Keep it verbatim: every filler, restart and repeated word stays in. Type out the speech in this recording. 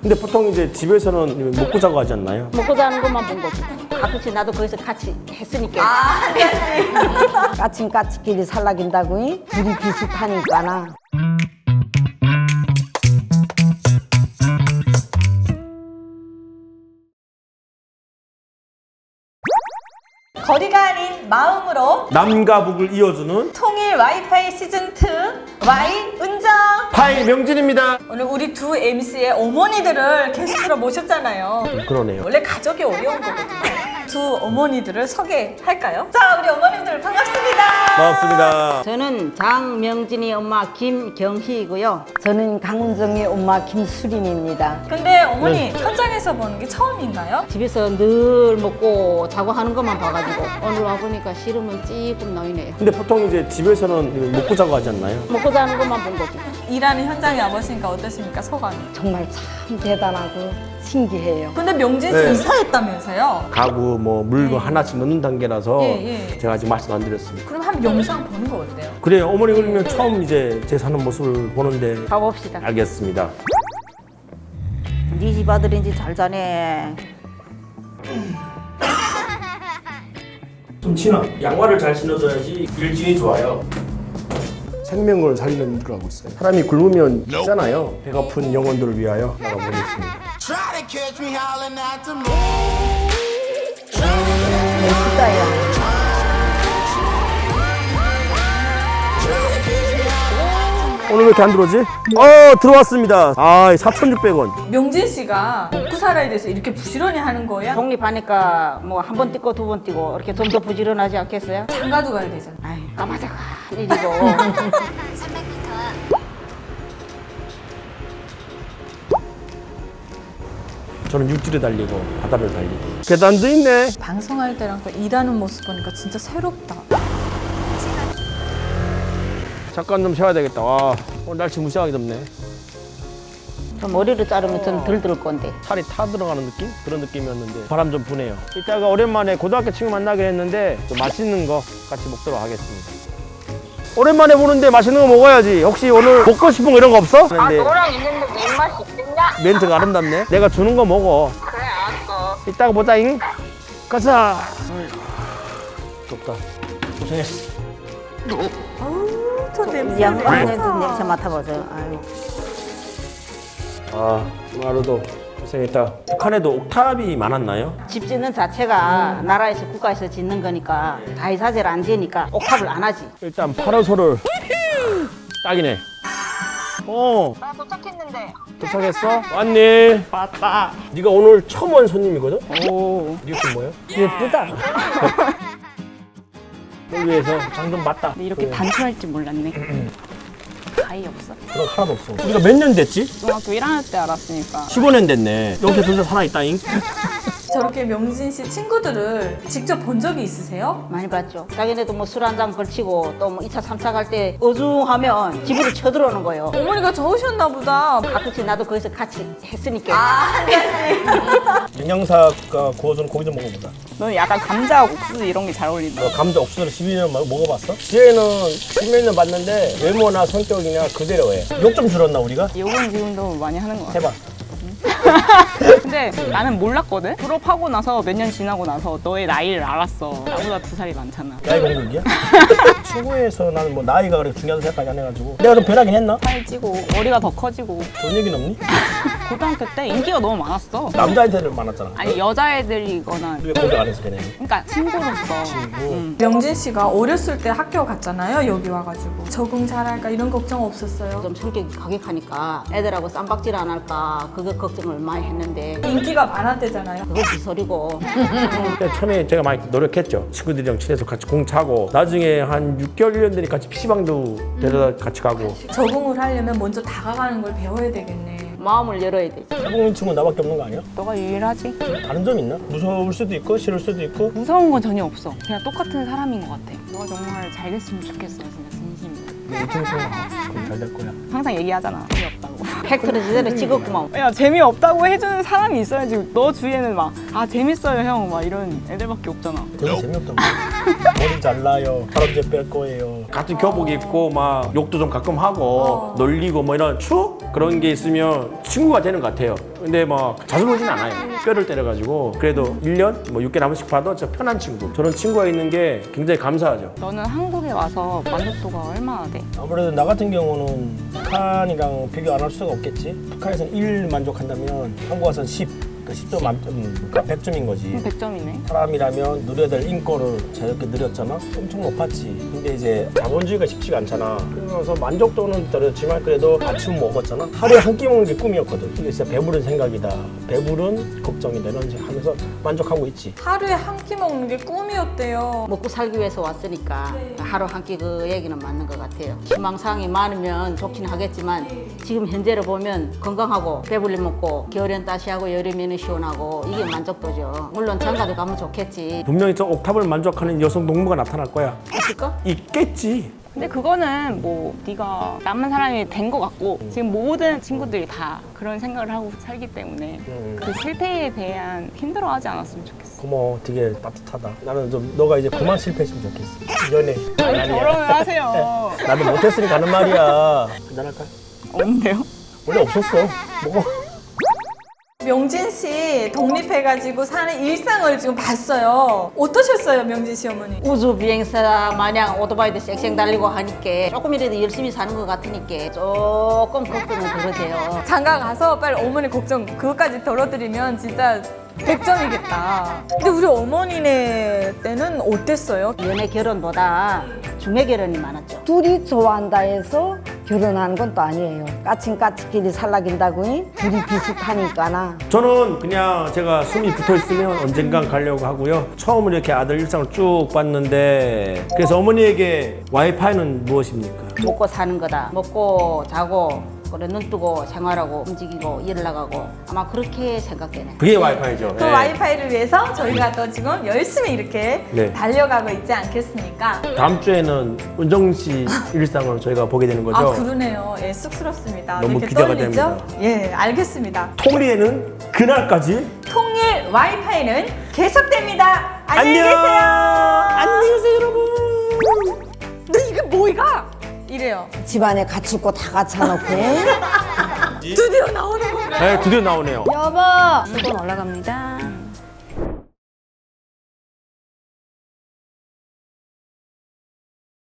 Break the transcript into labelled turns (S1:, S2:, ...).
S1: 근데 보통 이제 집에서는 먹고 자고 하지 않나요?
S2: 먹고 자는 것만 본 거지. 가끔씩 나도 거기서 같이 했으니까.
S3: 아, 네.
S4: 까친까치끼리 살라긴다고 이? 둘이 비슷하니까나.
S3: 거리가 아닌 마음으로
S1: 남과 북을 이어주는
S3: 통일 와이파이 시즌 투 와이 운정.
S1: 파이 명진입니다.
S3: 오늘 우리 두 엠씨의 어머니들을 게스트로 모셨잖아요.
S1: 좀 그러네요.
S3: 원래 가족이 어려운 거거든요. 두 어머니들을 소개할까요? 자, 우리 어머님들 반갑습니다.
S1: 반갑습니다.
S2: 저는 장명진이 엄마 김경희이고요.
S4: 저는 강은정의 엄마 김수림입니다.
S3: 근데 어머니 현장에서 보는 게 처음인가요?
S2: 집에서 늘 먹고 자고 하는 것만 봐가지고 오늘 와보니까 싫으면 찌끔 나이네요.
S1: 근데 보통 이제 집에서는 먹고 자고 하지 않나요?
S2: 먹고 자는 것만 본 거지.
S3: 일하는 현장에 와보시니까 어떠십니까, 소감이?
S4: 정말 참 대단하고 신기해요.
S3: 근데 명진 씨
S1: 네.
S3: 이사했다면서요?
S1: 가구 뭐 물건 하나씩 넣는 단계라서
S3: 예, 예.
S1: 제가 아직 말씀 안 드렸습니다.
S3: 그럼 한 영상 보는 거 어때요?
S1: 그래요. 어머니 그러면 처음 이제 제 사는 모습을 보는데
S2: 가봅시다.
S1: 알겠습니다.
S2: 네 집 아들인지 잘 자네.
S1: 좀 친하. 양말을 잘 신어줘야지 일진이 좋아요. 생명을 살리는 일을 하고 있어요. 사람이 굶으면 죽잖아요. 배고픈 영혼들을 위하여 나가보겠습니다.
S5: Try to catch me howling at the moon.
S4: 멋있다요.
S1: 오늘 왜 이렇게 안 들어오지? 어 들어왔습니다. 아 사천육백 원.
S3: 명진 씨가 먹고 살아야 돼서 이렇게 부지런히 하는 거야?
S2: 독립하니까 뭐 한 번 뛰고 두 번 뛰고 이렇게 좀 더 부지런하지 않겠어요?
S3: 장가도 가야 되잖아.
S2: 아이 까마자가 일이고.
S1: 저는 육지를 달리고 바다를 달리고 계단도 있네.
S3: 방송할 때랑 또 일하는 모습 보니까 진짜 새롭다.
S1: 잠깐 좀 쉬어야 되겠다. 와 오늘 날씨 무시하게 덥네.
S2: 좀 머리를 자르면 좀 덜 들 건데.
S1: 살이 타 들어가는 느낌? 그런 느낌이었는데 바람 좀 부네요. 이따가 오랜만에 고등학교 친구 만나기로 했는데 좀 맛있는 거 같이 먹도록 하겠습니다. 오랜만에 보는데 맛있는 거 먹어야지. 혹시 오늘 먹고 싶은 거 이런 거 없어?
S2: 아
S1: 근데
S2: 너랑 있는데 내 입맛이 있겠냐?
S1: 멘트가 아름답네. 내가 주는 거 먹어.
S2: 그래 알았어.
S1: 이따가 보자잉. 가자. 덥다. 고생했어.
S3: 아우, 저 냄새.
S2: 양반에도 냄새 맡아보세요. 아유.
S1: 아 하루도 고생했다. 북한에도 옥탑이 많았나요?
S2: 집 짓는 자체가 나라에서 국가에서 짓는 거니까 다이사제를 안 지으니까 옥탑을 안 하지.
S1: 일단 파라솔을 딱이네. 어
S2: 나 도착했는데.
S1: 도착했어? 왔니?
S2: 왔다.
S1: 네가 오늘 처음 온 손님이거든?
S2: 오.
S1: 리액션 뭐예요?
S2: 예쁘다.
S1: 널 위해서 장좀 봤다.
S6: 이렇게
S1: 그래.
S6: 단추할 줄 몰랐네. 가위 없어?
S1: 그런 거 하나도 없어. 우리가 몇 년 됐지?
S6: 중학교 일 학년 때 알았으니까.
S1: 십오 년 됐네. 여기서 둘다 살아있다잉.
S3: 저렇게 명진 씨 친구들을 직접 본 적이 있으세요?
S2: 많이 봤죠. 자기네도 뭐 술 한 잔 걸치고 또 뭐 이 차 삼 차 갈 때 어중하면 집으로 쳐들어오는 거예요.
S3: 어머니가 좋으셨나 보다.
S2: 가끔씩 나도 거기서 같이 했으니까.
S3: 아, 네.
S1: 영양사가 구워주는 고기 좀 먹어보자.
S6: 너는 약간 감자 옥수수 이런 게 잘 어울린다.
S1: 너 감자 옥수수를 십이 년 먹어봤어? 지혜는 십몇 년 봤는데 외모나 성격이나 그대로해. 욕 좀 줄었나 우리가?
S6: 욕은 지금도 많이 하는 것 같아.
S1: 해봐.
S6: 근데 나는 몰랐거든? 졸업하고 나서 몇 년 지나고 나서 너의 나이를 알았어. 나보다 두 살이 많잖아.
S1: 나이 공격이야? 친구에서 나는 뭐 나이가 그렇게 중요하다고 생각까지 안 해가지고 내가 좀 변하긴 했나?
S6: 살 찌고 머리가 더 커지고.
S1: 돈 얘기는 없니?
S6: 고등학교 때 인기가 너무 많았어.
S1: 남자한테는 많았잖아.
S6: 아니 여자애들이거나
S1: 왜 공격 안 해서 걔네?
S6: 그러니까 친구로서. 응.
S3: 명진 씨가 어렸을 때 학교 갔잖아요. 여기 와가지고 적응 잘할까 이런 걱정 없었어요?
S2: 좀 성격이 가격하니까 애들하고 쌈박질 안 할까 그거 걱정을 많이 했는데
S3: 인기가 많았대잖아요.
S2: 그건 지소리고.
S1: 그러니까 처음에 제가 많이 노력했죠. 친구들이랑 친해서 같이 공 차고 나중에 한 육 개월 일 년 되니 같이 피시방도 데려다 같이 가고.
S3: 적응을 하려면 먼저 다가가는 걸 배워야 되겠네.
S2: 마음을 열어야 되지.
S1: 해보는 친구 나밖에 없는 거 아니야?
S6: 너가 유일하지?
S1: 다른 점 있나? 무서울 수도 있고 싫을 수도 있고.
S6: 무서운 건 전혀 없어. 그냥 똑같은 사람인 것 같아. 너가 정말 잘 됐으면 좋겠어. 진짜 진심이야.
S1: 내 유튜브 생각 그럼 잘 될 거야.
S6: 항상 얘기하잖아. 재미없다고.
S2: 팩트를 제대로 찍었구만.
S6: 야 재미없다고 해주는 사람이 있어야지. 너 주위에는 막 아 재밌어요 형 막 이런 애들밖에 없잖아.
S1: 그게 재미없다고. 머리 잘라요. 바람제 뺄 거예요. 같은 교복 입고 막 욕도 좀 가끔 하고
S3: 어.
S1: 놀리고 뭐 이런 추억 그런 게 있으면 친구가 되는 것 같아요. 근데 막 자주 놀진 않아요. 뼈를 때려가지고 그래도 일 년 뭐 육 개월에 한 번씩 봐도 진짜 편한 친구. 저런 친구가 있는 게 굉장히 감사하죠.
S6: 너는 한국에 와서 만족도가 얼마나 돼?
S7: 아무래도 나 같은 경우는 북한이랑 비교 안 할 수가 없겠지. 북한에서는 일 만족한다면 한국 와서는 십, 그러니까 십 점 만점, 그러니까 백 점인 거지.
S6: 그럼 백 점이네.
S7: 사람이라면 누려야 될 인권을 자유롭게 누렸잖아. 엄청 높았지. 근데 이제 자본주의가 쉽지가 않잖아. 그래서 만족도는 떨어졌지만 그래도 아침 먹었잖아. 하루에 한 끼 먹는 게 꿈이었거든. 이게 진짜 배부른 생각이다. 배부른 걱정이다. 이런 식으로 하면서 만족하고 있지.
S3: 하루에 한 끼 먹는 게 꿈이었대요.
S2: 먹고 살기 위해서 왔으니까 하루 한 끼 그 얘기는 맞는 것 같아요. 희망사항이 많으면 좋긴 하겠지만 지금 현재로 보면 건강하고 배불리 먹고 겨울엔 따시하고 여름에는 시원하고 이게 만족도죠. 물론 장가도 가면 좋겠지.
S1: 분명히 저 옥탑을 만족하는 여성 동무가 나타날 거야.
S2: 있을까?
S1: 있겠지.
S6: 근데 그거는 뭐 네가 남은 사람이 된 것 같고 지금 모든 친구들이 다 그런 생각을 하고 살기 때문에
S1: 음.
S6: 그 실패에 대한 힘들어하지 않았으면 좋겠어.
S7: 고마워. 되게 따뜻하다. 나는 좀 너가 이제 그만 실패했으면 좋겠어. 연애.
S6: 아니, 결혼을 하세요.
S7: 나도 못했으니까 하는 말이야. 한잔할까?
S6: 없는데요?
S7: 원래 없었어. 먹어.
S3: 명진 씨 독립해가지고 사는 일상을 지금 봤어요. 어떠셨어요, 명진 씨 어머니?
S2: 우주 비행사 마냥 오토바이도 쌩쌩 달리고 하니까 조금이라도 열심히 사는 것 같으니까 조금 걱정은 덜어져요.
S3: 장가 가서 빨리 어머니 걱정 그것까지 덜어드리면 진짜 백 점이겠다. 근데 우리 어머니네 때는 어땠어요?
S2: 연애 결혼보다 중매 결혼이 많았죠.
S4: 둘이 좋아한다 해서 결혼하는 건 또 아니에요. 까친까치끼리 살라긴다고 둘이 비슷하니까나.
S1: 저는 그냥 제가 숨이 붙어 있으면 언젠간 가려고 하고요. 처음으로 이렇게 아들 일상을 쭉 봤는데 그래서 어머니에게 와이파이는 무엇입니까?
S2: 먹고 사는 거다. 먹고 자고 그래 눈 뜨고 생활하고 움직이고 일 나가고 아마 그렇게 생각되네.
S1: 그게 와이파이죠.
S3: 그
S1: 네.
S3: 와이파이를 위해서 저희가 또 지금 열심히 이렇게
S1: 네.
S3: 달려가고 있지 않겠습니까?
S1: 다음 주에는 은정 씨 일상을 저희가 보게 되는 거죠.
S3: 아 그러네요. 예, 쑥스럽습니다.
S1: 너무
S3: 이렇게
S1: 기대가
S3: 떨리죠?
S1: 됩니다.
S3: 예, 알겠습니다.
S1: 통리에는 그날까지
S3: 통일 와이파이는 계속됩니다. 안녕히
S1: 안녕!
S3: 계세요.
S1: 안녕히 계세요, 여러분.
S3: 너 이게 뭐이가? 이래요.
S4: 집안에 갖출 거 다 갖춰놓고.
S3: 드디어 나오는 거구나.
S1: 네, 드디어 나오네요.
S4: 여보!
S6: 수건 올라갑니다.